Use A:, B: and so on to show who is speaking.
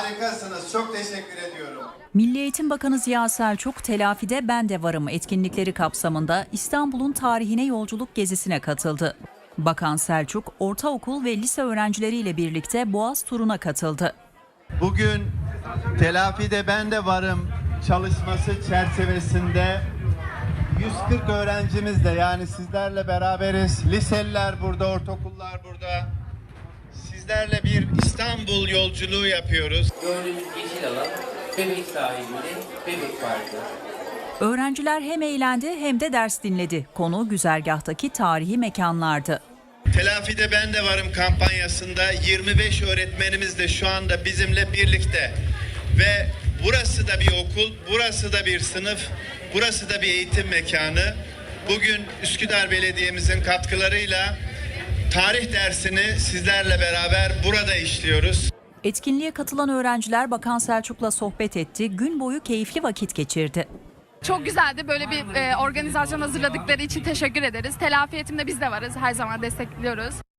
A: Harikasınız. Çok teşekkür ediyorum.
B: Milli Eğitim Bakanı Ziya Selçuk, Telafide Ben de Varım etkinlikleri kapsamında İstanbul'un tarihine yolculuk gezisine katıldı. Bakan Selçuk, ortaokul ve lise öğrencileriyle birlikte Boğaz turuna katıldı.
A: Bugün Telafide Ben de Varım çalışması çerçevesinde 140 öğrencimizle, yani sizlerle beraberiz. Liseliler burada, ortaokullar burada. Sizlerle bir İstanbul yolculuğu yapıyoruz.
C: Gördüğünüz yeşil alan Bebek sahilinde Bebek Parkı.
B: Öğrenciler hem eğlendi hem de ders dinledi. Konu güzergahtaki tarihi mekanlardı.
A: Telafide Ben de Varım kampanyasında 25 öğretmenimiz de şu anda bizimle birlikte. Ve burası da bir okul, burası da bir sınıf, burası da bir eğitim mekanı. Bugün Üsküdar Belediye'mizin katkılarıyla tarih dersini sizlerle beraber burada işliyoruz.
B: Etkinliğe katılan öğrenciler Bakan Selçuk'la sohbet etti, gün boyu keyifli vakit geçirdi.
D: Çok güzeldi. Böyle bir organizasyon hazırladıkları için teşekkür ederiz. Telafi eğitimde biz de varız. Her zaman destekliyoruz.